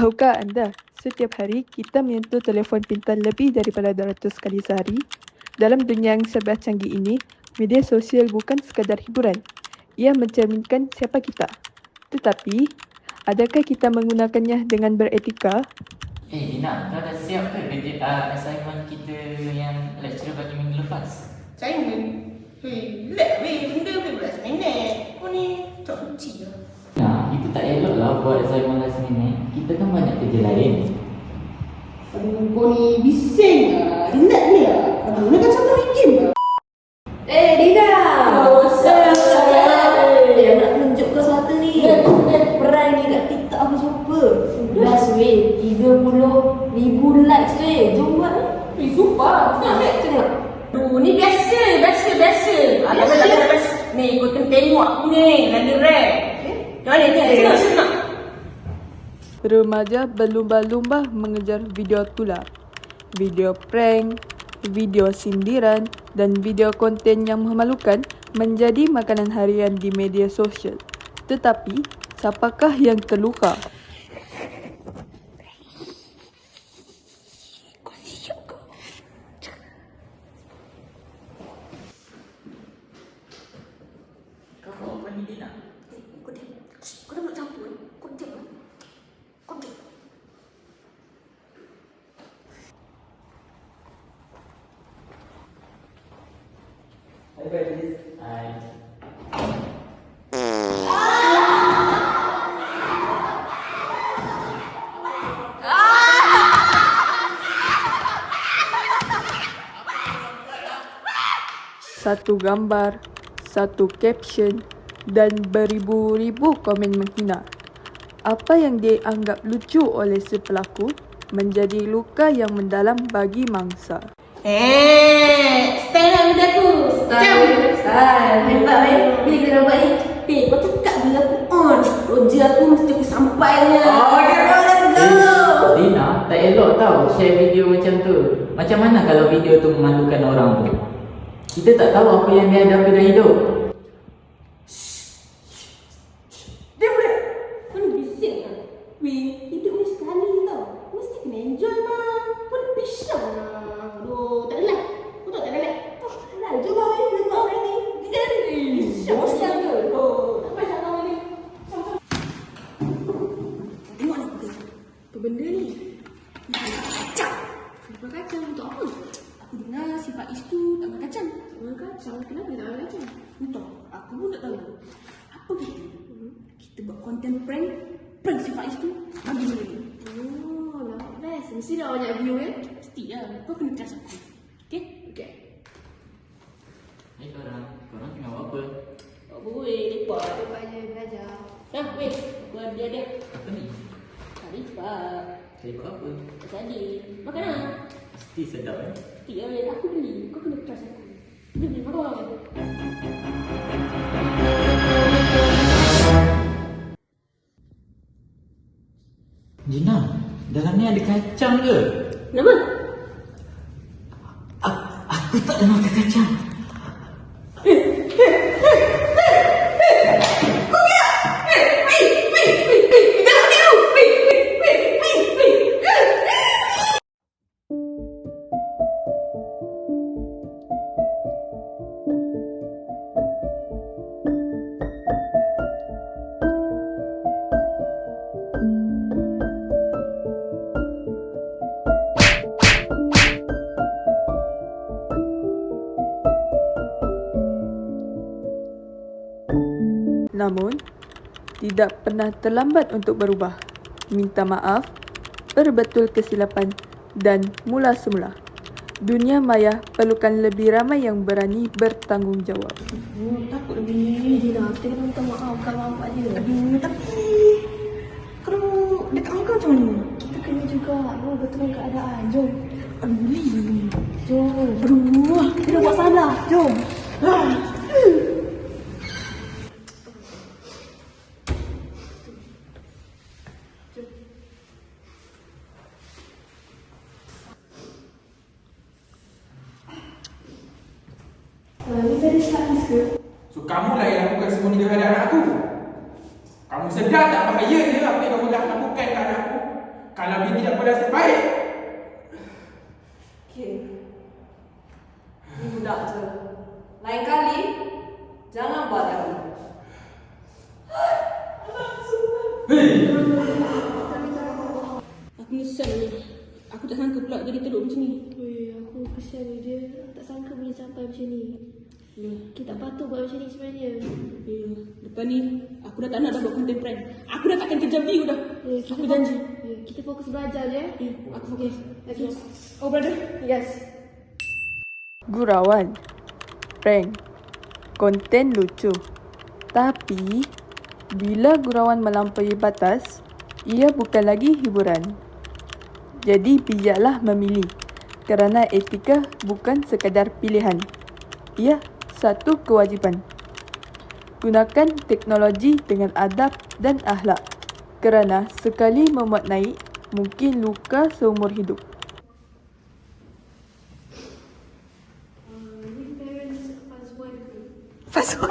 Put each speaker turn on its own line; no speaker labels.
Tahukah anda, setiap hari kita menyentuh telefon pintar lebih daripada 200 kali sehari? Dalam dunia yang serba canggih ini, media sosial bukan sekadar hiburan. Ia mencerminkan siapa kita. Tetapi, adakah kita menggunakannya dengan beretika?
Dina, kau dah siap ke kerja assignment kita yang lecturer bagi minggu lepas?
Assignment? Relax benda 15 minit. Kau ni tak suci lah.
Nah, itu tak elok lah buat assignment last minute. Kita kan banyak kerja lain.
Aduh, kau ni bising lah. Relax ni lah. Aduh, nak kacau kau bikin lah.
Dina!
Saya
nak tunjuk kau sesuatu ni. Peran ni kat TikTok aku jumpa. Last weh, 30,000 likes weh. Jom buat ni.
Sumpah.
Tengok.
Aduh, ni biasa. Ni, kau tengok aku ni. Lagi rare. Macam mana ni? Senang.
Remaja berlumba-lumba mengejar video tular, video prank, video sindiran dan video konten yang memalukan menjadi makanan harian di media sosial. Tetapi, siapakah yang terluka?
Kau buat apa ni, Dina?
Kau dah buat campur. Kau diam lah. Kau diam.
Hai.
Satu gambar, satu caption dan beribu-ribu komen menghina. Apa yang dianggap lucu oleh si pelaku menjadi luka yang mendalam bagi mangsa.
Stand up benda tu.
Style. Hebat weh. Bila kita dapat ni. Kau cakap bila aku on. Roja aku mesti aku sampainya. Let's go.
Dina, tak elok tau share video macam tu. Macam mana kalau video tu memalukan orang tu? Kita tak tahu apa yang dia hadapi dalam hidup.
Dia boleh. Kau ni bising lah. Weh, hidup ni sekali tau. Mesti kena enjoy mah. Kau ni pisang lah. Aduh, tak ada like. Kau tahu tak ada like? Tak ada like. Jom lah weh, kita buat ni. Kita ada ni. Pisang ke? Oh, tak payah kau ni. Tengok ni. Apa benda ni? Kacang. Sifat kacang untuk apa? Aku dengar sifat itu tak makan kacang. Tak makan kacang? Kenapa dia tak makan kacang? Entah. Aku pun tak tahu. Apa kita? Kita buat konten prank. Prank sifat itu. Bagi benda ni.
Oh, lah best. Mesti dah banyak view eh.
Mesti lah. Kau kena trust aku. Okay? Okay.
Hai korang tengah buat apa?
Tak boleh. Lepas.
Lepas je belajar.
Nah, weh. Buat dia.
Apa ni?
Lepas.
Saya buat apa?
Tadi. Makan lah.
Mesti sedap
Mesti lah weh. Aku beli. Kau kena trust aku. Beli. Makan.
Dina, dalam ni ada kacang ke?
Kenapa?
Aku tak nak makan kacang.
Namun, tidak pernah terlambat untuk berubah, minta maaf, berbetul kesilapan dan mula semula. Dunia maya perlukan lebih ramai yang berani bertanggungjawab.
Takut lebih.
Dina, kita kena minta maaf kalau nampak dia.
Aduh, tapi kalau dekat kau macam mana?
Kita kena juga betulkan keadaan. Jom.
Aduh, boleh.
Jom.
Aduh,
Kita buat salah. Jom. Ni tadi habis ke?
So kamulah yang lakukan semua ni kepada anak aku. Kamu sedar tak bahayanya apa yang kamu dah lakukan ke anak aku? Kalau dia tidak bernasib baik,
Okay. Ni budak je. Lain kali, jangan buat lagi.
Aku menyesal ni. Aku tak sangka pula jadi teruk macam ni.
Aku kesian dia. Aku tak sangka boleh sampai macam ni.
Ya.
Kita tak patut buat macam ni sebenarnya.
Ya. Lepas ni, aku dah tak nak dah buat content prank. Aku dah takkan kerja view dah. Aku janji.
Kita fokus belajar je.
Aku fokus.
Okay.
Oh brother.
Yes.
Gurauan, prank, konten lucu. Tapi, bila gurauan melampaui batas, ia bukan lagi hiburan. Jadi bijaklah memilih, kerana etika bukan sekadar pilihan. Ia satu kewajipan. Gunakan teknologi dengan adab dan akhlak, kerana sekali memuat naik, mungkin luka seumur hidup.
Parents fast one.
Fast